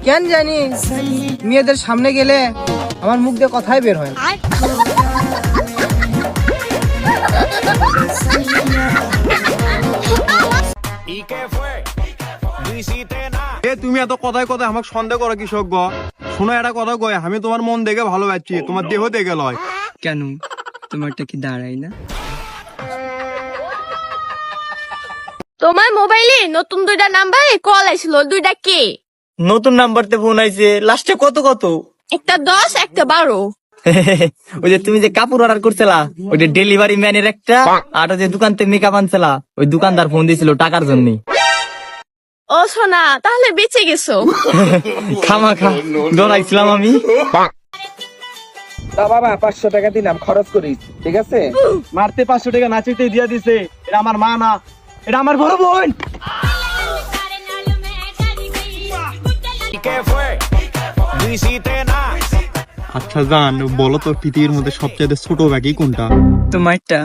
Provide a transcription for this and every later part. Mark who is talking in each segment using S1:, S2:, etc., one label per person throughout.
S1: কেন জানি মেয়েদের সামনে গেলে আমার মুখ দিয়ে কথাই বের হয় না।
S2: তুমি এত কথায় কথায় আমাকে সন্দেহ করো কৃষক গো। শোনো একটা কথা কয়, আমি তোমার মন দেখে ভালোবাসছি, তোমার দেহ দেখে লয়।
S3: কেন তোমারটা কি দাঁড়াই না?
S4: তোমার মোবাইলে নতুন 2টা নাম্বারে কল আইছিল, 2টা কি?
S3: নতুন নাম্বারতে ফোন আইছে, লাস্টে কত কত?
S4: একটা 10 একটা 12।
S3: ওই যে তুমি যে কাপড় অর্ডার করছিলা, ওই যে ডেলিভারি ম্যানের একটা, আর ওই যে দোকান থেকে মেকআপ আনছিলা, ওই দোকানদার ফোন দিয়েছিল টাকার জন্য।
S4: ও সোনা, তাহলে বেঁচে গেছো।
S3: খামাখা ডরাইছিলাম আমি।
S1: বাবা 500 টাকা দিলাম, খরচ করিস, ঠিক আছে?
S2: মারতে 500 টাকা নাচিতে দিয়া দিছে। এটা আমার মা না, এটা আমার বড় বোন। আচ্ছা জান, বলো তো পৃথিবীর মধ্যে সবচেয়ে ছোট ব্যাগই কোনটা?
S3: তোমারটা।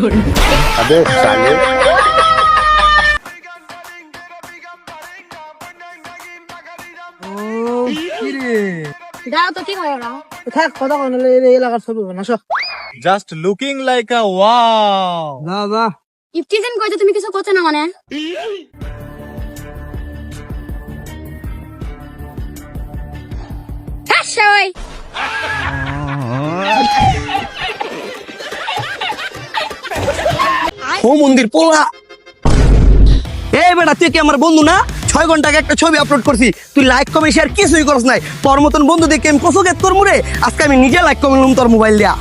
S4: দাও তো, কি হয় না?
S1: থাক, কথা কন, এলাকার ছবি না সব।
S2: Just looking like a wow.
S1: না না,
S4: ইফতিজেন কইতে তুমি কিছু করতে না মানে? হাসই
S5: ও মন্দির পোলা। এই বেটা, তুই কি আমার বন্ধু না? 6 ঘন্টা আগে একটা ছবি আপলোড করছি, তুই লাইক কমেন্ট শেয়ার কিছুই করছ নাই। তোর মতন বন্ধু দেখে আমি কত গেট করবো রে। আজকে আমি নিজে লাইক কমেন্ট করলাম তোর মোবাইল দিয়া।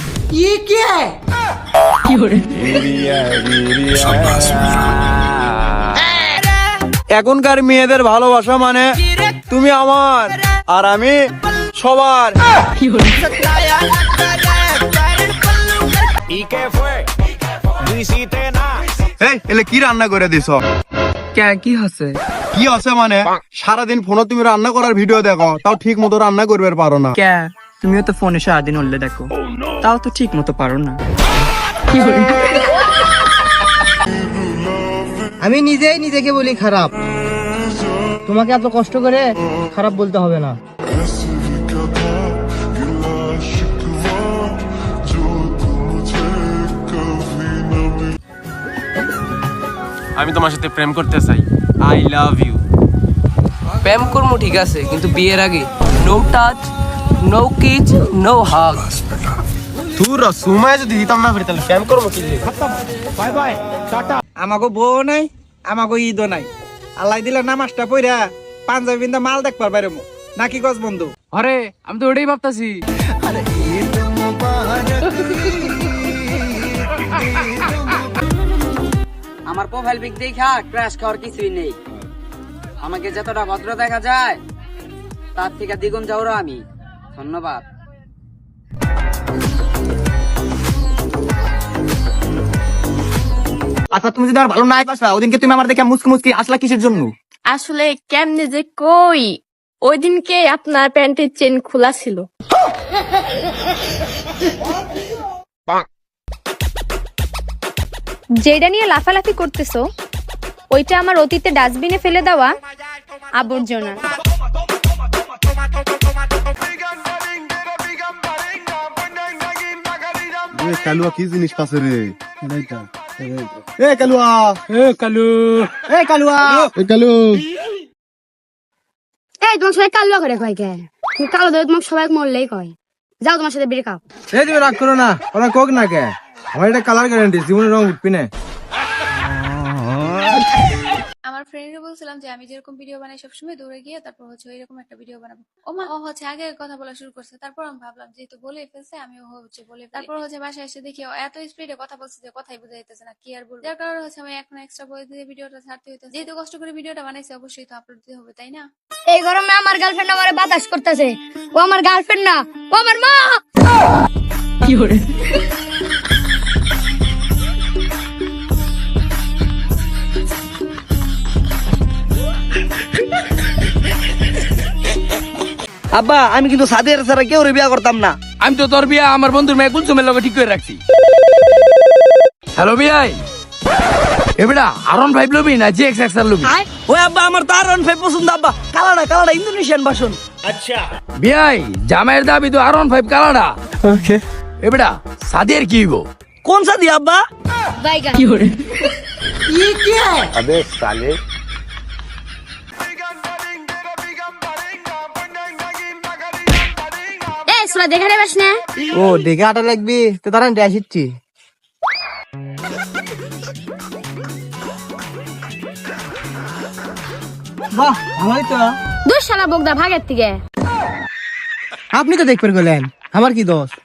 S2: এখনকার মেয়েদের ভালোবাসা মানে তুমি আমার আর আমি সবার। এই এলে কি রান্না করে দিছ?
S3: কি হচ্ছে?
S2: কি আছে মানে সারাদিন ফোনে তুমি রান্না করার ভিডিও দেখো, তাও ঠিক মতো রান্না করবে পারো না।
S3: কে? তুমিও তো ফোনে সারাদিন উল্লে দেখো, তাও তো ঠিক মতো পারো না।
S1: আমি নিজেই নিজেকে বলি খারাপ, তোমাকে এত কষ্ট করে খারাপ বলতে হবে না।
S6: আমি তোমার সাথে প্রেম করতে চাই। I love you.
S7: প্রেম করবো ঠিক আছে, কিন্তু বিয়ের আগে no touch, no kiss, no hug.
S2: তুই রসুমায় যদি দিতাম না ফিরে তাহলে প্রেম করবো কি? Bye bye, tata.
S1: আমাকে বউ নাই, আমাকে ঈদও নাই। আল্লাহ দিলে নামাজটা পইরা পাঞ্জাবি বিন্দা মাল দেখ পারবে নাকি গজ বন্ধু?
S7: আরে আমি তো ওটাই ভাবতাছি। আমার প্রোফাইল পিক দেখা ক্র্যাশ খাওয়ার কিছুই নেই। আমাকে যতটা ভদ্র দেখা যায় তার থেকে দ্বিগুণ যাওরা আমি। ধন্যবাদ।
S3: আচ্ছা তুমি যদি আমার ভালো নাই বাসা, ওদিনকে তুমি আমার দেখে মুসকি মুসকি আসলা কিসের জন্য?
S4: আসলে কেমনে যে কই, ওই দিনকে আপনার প্যান্টের চেন খোলা ছিল।
S8: যেটা নিয়ে লাফালাফি করতেছো ওইটা আমার অতীতে ডাস্টবিনে ফেলে দেওয়া আবর্জনা।
S2: কালুয়া কি জিনিস পাশে রে? এ কালুয়া, এ কালু, এ কালুয়া, এ কালু।
S4: এই তোমার সবাই কালো করে কয় কে? তুমি কালো ধরে তোমার সবাই মরলেই কয়। যাও তোমার সাথে ব্রেকআপ।
S1: এই তুমি রাগ করো না, ওরা কোক না কে? আমার এটা কালার গ্যারান্টি, জীবনের রং উঠবি না।
S9: আমার ফ্রেন্ডকে বলছিলাম যে আমি যেরকম ভিডিও বানাই সবসময় দৌড়ে গিয়ে তারপর হচ্ছে এরকম একটা ভিডিও বানাবো। ও হচ্ছে আগে কথা বলা শুরু করছে, তারপর আমি ভাবলাম যেহেতু বলে ফেলছে আমি হচ্ছে বলে তারপর হচ্ছে বাসায় এসে দেখি ও এত স্পিডে কথা বলছে যে কথাই বোঝা যাইতেছে না, কি আর বলবো। যার কারণে হচ্ছে আমি এখন এক্সট্রা বই দিয়ে ভিডিওটা ছাড়তে হইতেছে। যেহেতু কষ্ট করে ভিডিওটা বানাইছে অবশ্যই তো আপলোড দিতে হবে, তাই না?
S4: এই গরমে আমার গার্লফ্রেন্ড আমারে বাতাস করতেছে। ও আমার গার্লফ্রেন্ড না, ও আমার মা।
S3: কি করে?
S5: আব্বা, আমি কিন্তু সাদের ছাড়া কেউ বিয়া করতাম না।
S7: আমি তো তোর বিয়া আমার বন্ধুর মেয়ে কুলসুমের লগে ঠিক করে রাখছি। হ্যালো বিয়াই, এবেটা আরন 5 লবি না GX6 লবি?
S5: ওই আব্বা আমার তো R15 পছন্দ আব্বা, কালাডা ইন্দোনেশিয়ান ভাষণ।
S10: বিয়াই জামাইয়ের দাবি তো R15 কালাডা। ওকে এবড়া সাদের কি হইব?
S5: কোন সাদি আব্বা?
S8: বাইগান এ সুরা দেখা রে বাস না
S3: ও দেখে আটা লাগবি তো তারা আসিচ্ছি। বাহ ভালোই তো।
S8: দুই শালা বগদা ভাগের থেকে।
S3: আপনি তো দেখবেন গেলেন, আমার কি দোষ?